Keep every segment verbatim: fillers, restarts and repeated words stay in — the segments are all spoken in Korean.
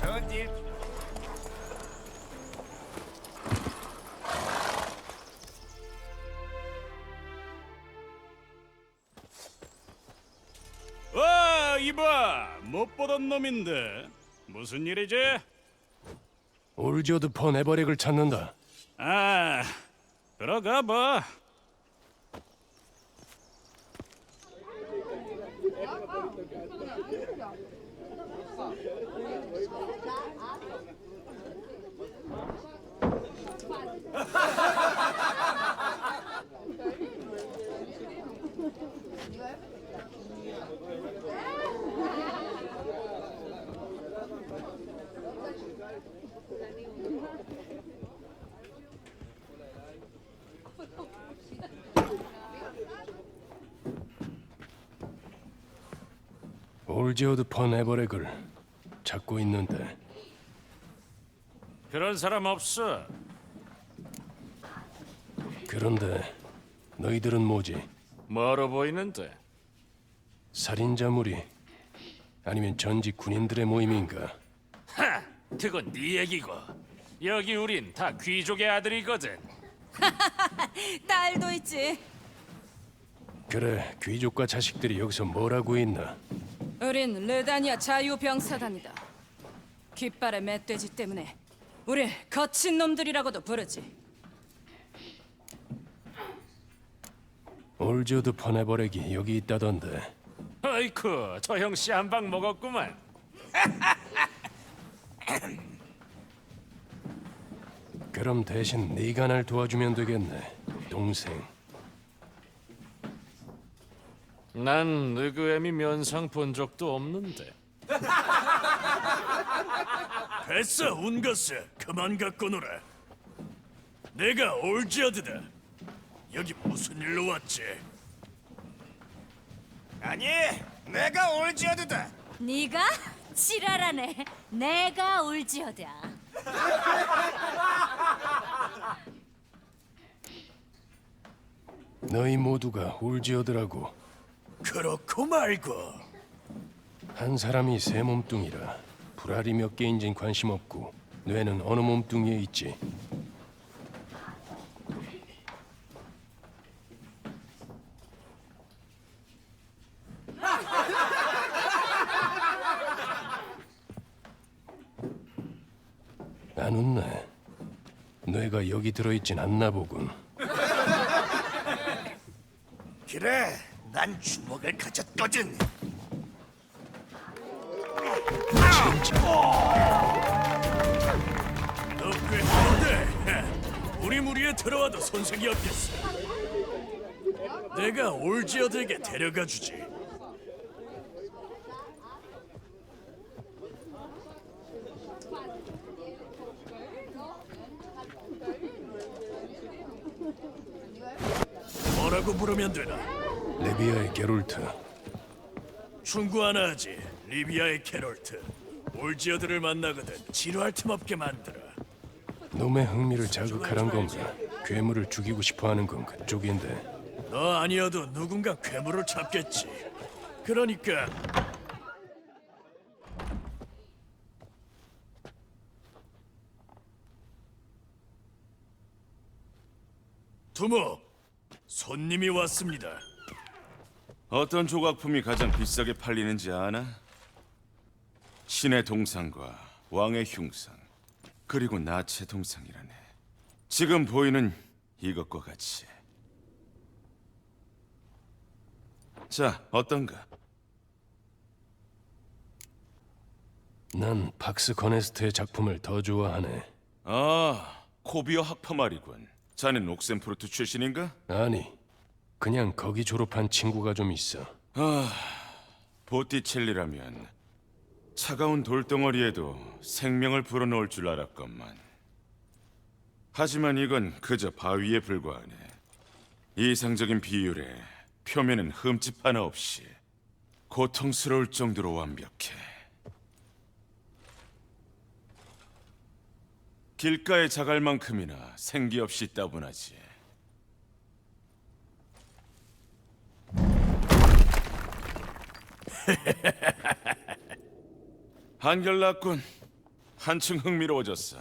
좋은 일. 와, 이봐, 못 보던 놈인데 무슨 일이지? 올지어드 펀 에버렉을 찾는다. 아, 들어가 봐. 올지어드 펀 에버렉을 찾고 있는데 그런 사람 없어. 그런데 너희들은 뭐지? 멀어 보이는데. 살인자 무리 아니면 전직 군인들의 모임인가? 하, 그건 네 얘기고. 여기 우린 다 귀족의 아들이거든. 딸도 있지. 그래, 귀족과 자식들이 여기서 뭘 하고 있나? 우린 르다니아 자유병사단이다. 깃발의 멧돼지 때문에 우릴 거친 놈들이라고도 부르지. 올지어드 펀 에버렉이 여기 있다던데. 아이쿠, 저 형씨 한 방 먹었구만. 그럼 대신 네가 날 도와주면 되겠네, 동생. 난 느그엠이 면상 본 적도 없는데. 됐어, 운거스. 그만 갖고 놀아. 내가 올지어드다. 여기 무슨 일로 왔지? 아니, 내가 올지어드다. 네가? 지랄하네. 내가 올지어드야. 너희 모두가 올지어드라고. 그렇고 말고. 한 사람이 새 몸뚱이라 불알이 몇 개인진 관심 없고 뇌는 어느 몸뚱이에 있지. 안 웃네. 뇌가 여기 들어있진 않나 보군. 그래, 난 주먹을 가졌거든. 너꽤 하는데 우리 무리에 들어와도 손색이 없겠어. 내가 올지어드에게 데려가 주지. 뭐라고 부르면 되나? 레비아의 게롤트. 충고 하나 하지. 리비아의 캐롤트. 올지어드를 만나거든 지루할 틈 없게 만들어. 놈의 흥미를 자극하란 건가? 괴물을 죽이고 싶어하는 건 그쪽인데. 너 아니어도 누군가 괴물을 잡겠지. 그러니까 두목, 손님이 왔습니다. 어떤 조각품이 가장 비싸게 팔리는지 아나? 신의 동상과 왕의 흉상, 그리고 나체 동상이라네. 지금 보이는 이것과 같이. 자, 어떤가? 난 박스 커네스트의 작품을 더 좋아하네. 아, 코비어 학파 말이군. 자넨 옥센프루트 출신인가? 아니, 그냥 거기 졸업한 친구가 좀 있어. 보티첼리라면 차가운 돌덩어리에도 생명을 불어넣을 줄 알았건만. 하지만 이건 그저 바위에 불과하네. 이상적인 비율에 표면은 흠집 하나 없이 고통스러울 정도로 완벽해. 길가의 자갈만큼이나 생기 없이 따분하지. 한결났군. 한층 흥미로워졌어.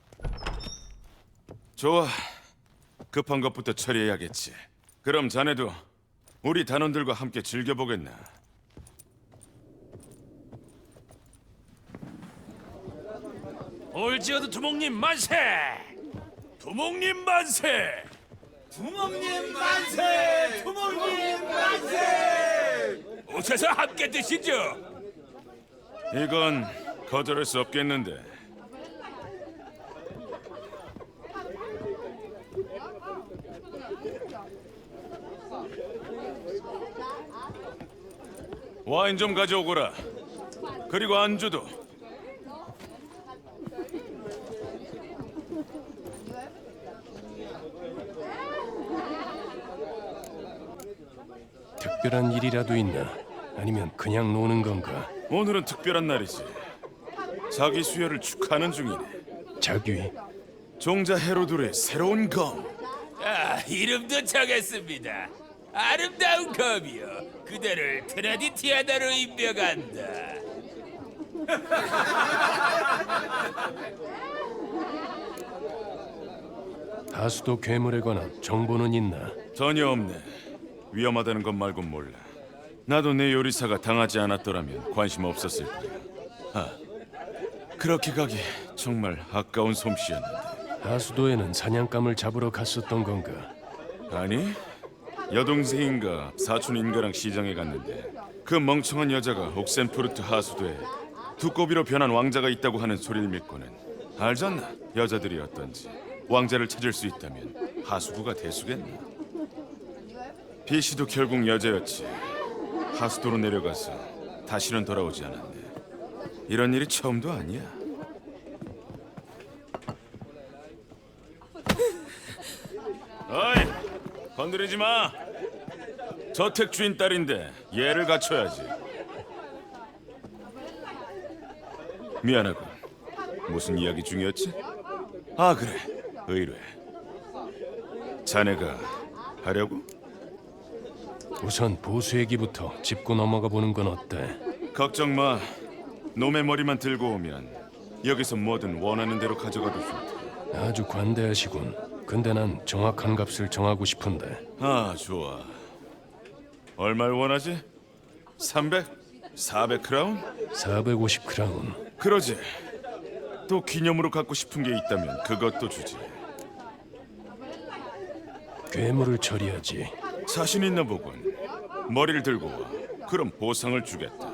좋아, 급한 것부터 처리해야겠지. 그럼 자네도 우리 단원들과 함께 즐겨보겠나? 올지어드 두목님 만세! 두목님 만세! 부모님 만세! 부모님 만세! 오셔서 함께 드시죠. 이건 거절할 수 없겠는데. 와인 좀 가져오거라. 그리고 안주도. 특별한 일이라도 있나? 아니면 그냥 노는 건가? 오늘은 특별한 날이지. 자기 수혈을 축하하는 중이네. 자귀? 종자 헤로드의 새로운 검. 아, 이름도 정했습니다. 아름다운 검이요. 그대를 트라디티아나로 임명한다. 하수도 괴물에 관한 정보는 있나? 전혀 없네. 위험하다는 것 말곤 몰라. 나도 내 요리사가 당하지 않았더라면 관심 없었을 거야. 아, 그렇게 가기 정말 아까운 솜씨였는데. 하수도에는 사냥감을 잡으러 갔었던 건가? 아니, 여동생인가 사촌인가랑 시장에 갔는데 그 멍청한 여자가 옥센푸르트 하수도에 두꺼비로 변한 왕자가 있다고 하는 소리를 믿고는 알잖아, 여자들이 어떤지. 왕자를 찾을 수 있다면 하수구가 대수겠나. 비시도 결국 여자였지. 하수도로 내려가서 다시는 돌아오지 않았네. 이런 일이 처음도 아니야. 어이, 건드리지 마. 저택 주인 딸인데 얘를 갖춰야지. 미안하군. 무슨 이야기 중이었지? 아, 그래. 의뢰. 자네가 하려고? 우선 보수 얘기부터 짚고 넘어가 보는 건 어때? 걱정 마. 놈의 머리만 들고 오면 여기서 뭐든 원하는 대로 가져가도 좋다. 아주 관대하시군. 근데 난 정확한 값을 정하고 싶은데. 아, 좋아. 얼마를 원하지? 삼백? 사백 크라운? 사백오십 크라운. 그러지. 또 기념으로 갖고 싶은 게 있다면 그것도 주지. 괴물을 처리하지. 자신 있나 보군. 머리를 들고 와. 그럼 보상을 주겠다.